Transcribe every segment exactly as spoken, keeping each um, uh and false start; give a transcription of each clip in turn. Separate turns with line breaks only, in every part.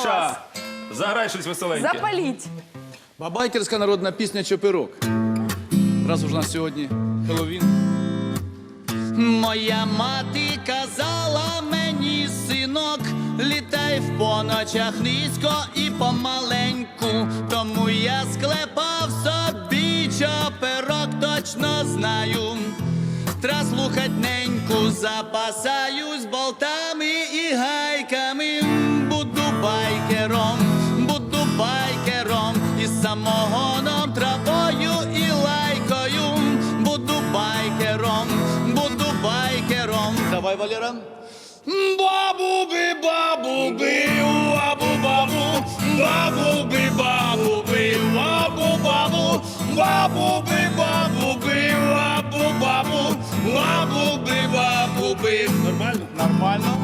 Ріша, заграй щось веселеньке.
Запаліть.
Бабайкерська народна пісня «Чопирок». Раз уж у нас сьогодні Хеллоуін. Моя мати казала мені, синок, літай в поночах низько і помаленьку. Тому я склепав собі чопирок, точно знаю. Тра слухать неньку, запасаюсь болтами і гайками. Буду байкером, буду байкером, із самогоном, травою і лайкою. Буду байкером, буду байкером. Давай, Валера. Бабуби, бабуби, бабу-бабу, бабуби, бабуби, бабу-бабу, бабуби, бабуби, бабу-бабу, бабуби, бабуби. Нормально? Нормально.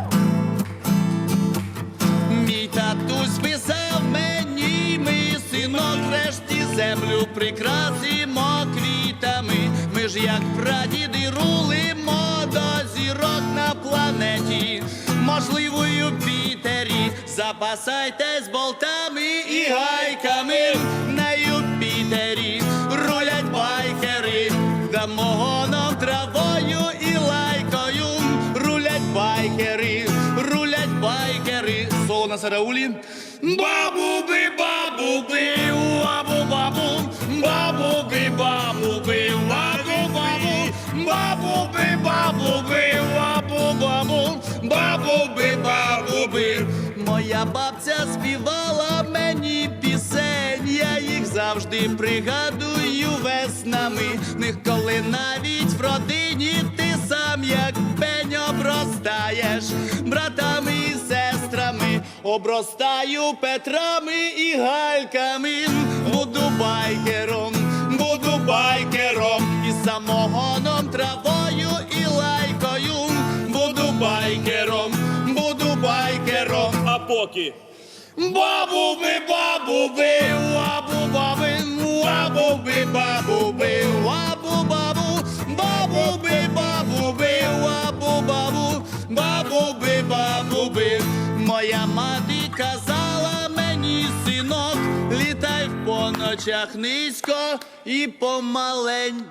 Мій татусь писав мені, ми, синок, врешті землю прикрасимо квітами. Ми ж як прадіди рулимо до зірок на планеті. Можливо, у Юпітері запасайтесь болтами і гайками. На Юпітері рулять байкери, дамогоном, травою і лайкою. Рулять байкери, рулять байкери. Соло на сараулі. Бабуби, бабуби, бабу-бабу, бабуби, бабуби, бабу-бабу, бабуби, бабуби, бабу-бабу, бабуби, бабуби. Моя бабця співала мені пісень, я їх завжди пригадую веснами. Них коли навіть в родині ти сам як пень обростаєш, братами і сестрами, обростаю Петрами і Гальками. Буду байкером, буду байкером, із самогоном, травою і лайкою. Буду байкером, буду байкером.
А поки?
Бабуби, бабуби, бабу-баби, бабуби, бабуби, бабу-бабу, бабуби, бабуби, бабу-бабу, бабуби, бабуби. Моя мати казала мені, синок, літай в поночах низько і помаленьку.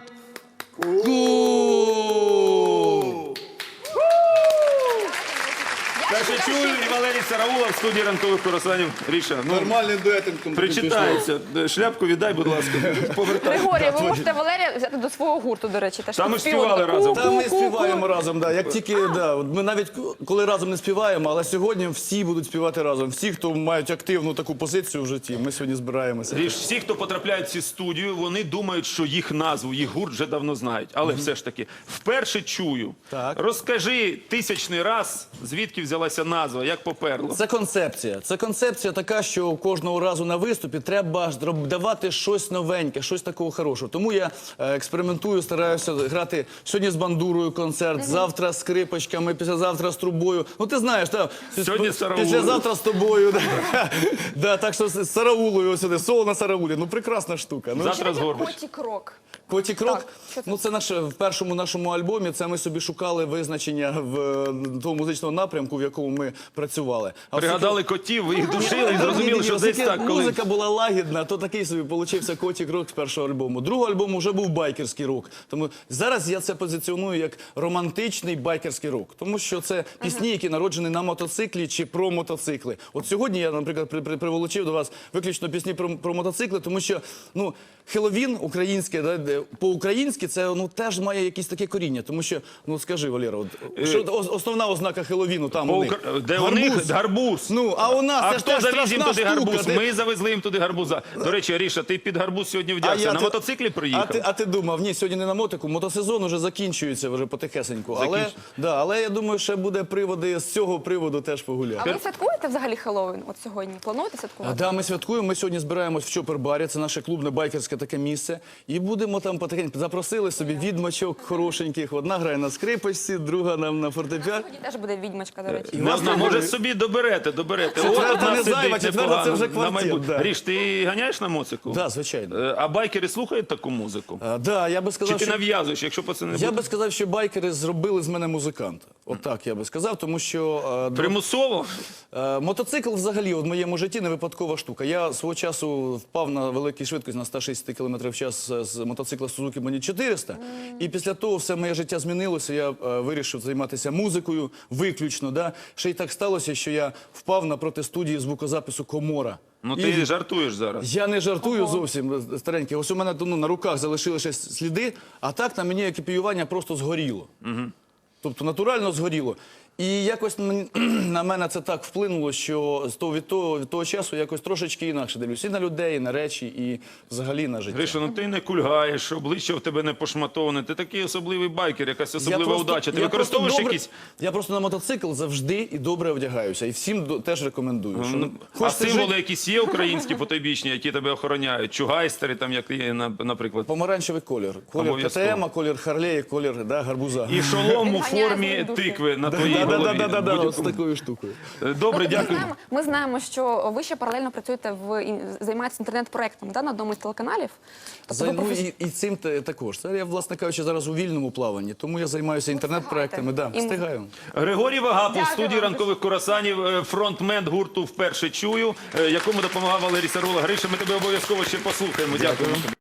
Перше чую і Валерій Сараула в студії ранкових курасанів. Ріша, ну,
Нормальний дуетинг.
причитається. Шляпку віддай, будь ласка, повертай.
Григорій, ви можете Валерія взяти до свого гурту, до речі. Теж
Там ми
тут
співали
співали.
разом.
Та ми співаємо разом, да. Як тільки, да, от ми навіть коли разом не співаємо, але сьогодні всі будуть співати разом. Всі, хто мають активну таку позицію в житті, ми сьогодні збираємося.
Ріш, всі, хто потрапляють в цю студію, вони думають, що їх назву, їх гурт вже давно знають. Але все ж таки, вперше чую.
Так.
Розкажи тисячний раз, звідки взялася назва, як поперло.
Це концепція. Це концепція така, що кожного разу на виступі треба давати щось новеньке, щось такого хорошого. Тому я е, експериментую, стараюся грати сьогодні з бандурою концерт, завтра з скрипочками, післязавтра з трубою. Ну ти знаєш, та,
Сьогодні з Сараулою.
післязавтра з тобою. Да. Да, так що з Сараулою сюди, соло на Сараулі. Ну прекрасна штука. Ну,
Завтра з Горбач.
Котік-рок.
Котік-рок?
Так, що це?
Ну, це наше, в першому нашому альбомі, це ми собі шукали визначення в е, того музичного напрямку, в якому ми працювали. А
Пригадали котів, ви їх душили і
Ні,
зрозуміли,
ні,
що
оскільки
десь так, коли...
музика була лагідна, то такий собі получився котік-рок з першого альбому. Другого альбому вже був байкерський рок. Тому зараз я це позиціоную як романтичний байкерський рок. Тому що це пісні, які народжені на мотоциклі чи про мотоцикли. От сьогодні я, наприклад, при, при, приволочив до вас виключно пісні про, про мотоцикли, тому що, ну, Хеллоуін українське, да, по-українськи це, ну, теж має якісь таке коріння. Тому що, ну, скажи, Валера, от, що ос- основна ознака Хеллоуіну там у них?
По-укра- Де у них гарбуз.
Ну, а у нас
А
це ж
хто
теж
завіз їм
страшна
туди
штука.
гарбуз?
Ти-
Ми завезли їм туди гарбуза. До речі, Ріша, ти під гарбуз сьогодні
А
вдягся.
я
На
ти-
мотоциклі
А
приїхав?
ти, а ти думав, ні, сьогодні не на мотику, мотосезон уже закінчується вже потихесеньку. Але,
Закінчується.
да, але я думаю, ще буде приводи, з цього приводу теж
А
погуляти.
ви святкуєте взагалі Хеллоуін от сьогодні? Плануєте
А,
святкувати?
да, ми святкуємо. Ми сьогодні збираємось в Чопер-барі, це наше клубне байкерське таке місце. І будемо там потихеньку. Запросили собі відьмачок хорошеньких. Одна грає на скрипочці, друга нам на фортепіано.
Сьогодні теж буде відьмачка, до речі.
І
Не
вас
знаю,
там
може
буде-
собі доберете, доберете.
Четверта
От одна
не зайва,
сидить
четверта
непогано
це вже
на
квартет,
майбутнє.
да.
Ріш, ти ганяєш на моцику?
Да, звичайно.
Е, А байкери слухають таку музику?
А, да, я би
Чи
сказав,
ти
що...
нав'язуєш, якщо пацани не
Я
будуть?
би сказав, що байкери зробили з мене музиканта. Отак я би сказав, тому що е, до-
Примусово?
Е, Мотоцикл взагалі в моєму житті не випадкова штука. Я свого часу впав на великій швидкості на сто шістдесят кілометрів в час з мотоцикла Suzuki Mani чотириста. І після того все моє життя змінилося. Я е, вирішив займатися музикою виключно. Да? Ще й так сталося, що я впав на протистудії звукозапису Комора.
Ну
І
ти жартуєш зараз.
я не жартую зовсім, старенький. Ось у мене ну, на руках залишилися сліди, а так на мені екіпіювання просто згоріло. Тобто натурально згоріло. І якось мені- на мене це так вплинуло, що з того, від, того, від того часу якось трошечки інакше дивлюсь. І на людей, і на речі, і взагалі на життя.
Гриша, ну ти не кульгаєш, обличчя в тебе не пошматоване. Ти такий особливий байкер, якась особлива
просто-
удача. Ти
я
використовуєш
просто добре-
якісь.
Я просто на мотоцикл завжди і добре одягаюся. І всім до- теж рекомендую. Що,
Ну, а
хочете
символи
жити-
якісь є українські потойбічні, які тебе охороняють? Чугайстери, там, як є, на- наприклад.
Помаранчевий колір. Колір
Обов'язково.
КТМ, колір Харлея, колір да, гарбуза.
І шолом у
Відганяє
формі
злі духи.
тикви на твоїй голові.
Да-да-да-да-да,
В
з
будь-якому-
такою штукою.
Добре,
Ми
дякую.
знаємо, ми знаємо, що ви ще паралельно працюєте в ін- займаєтесь інтернет-проектами, да, на одному із телеканалів. Тобто
За,
ви
ну,
професі-
і, і цим те- також. Це я, власне кажучи, зараз у вільному плаванні, тому я займаюся інтернет-проектами. Да,
І-
встигаю.
Григорій Вагапов,
Дякую
в студії
вам.
ранкових курасанів, е, фронтмен гурту «Вперше чую», е, якому допомагав Валерій Сарула. Гриша, ми тебе обов'язково ще послухаємо. Дякую.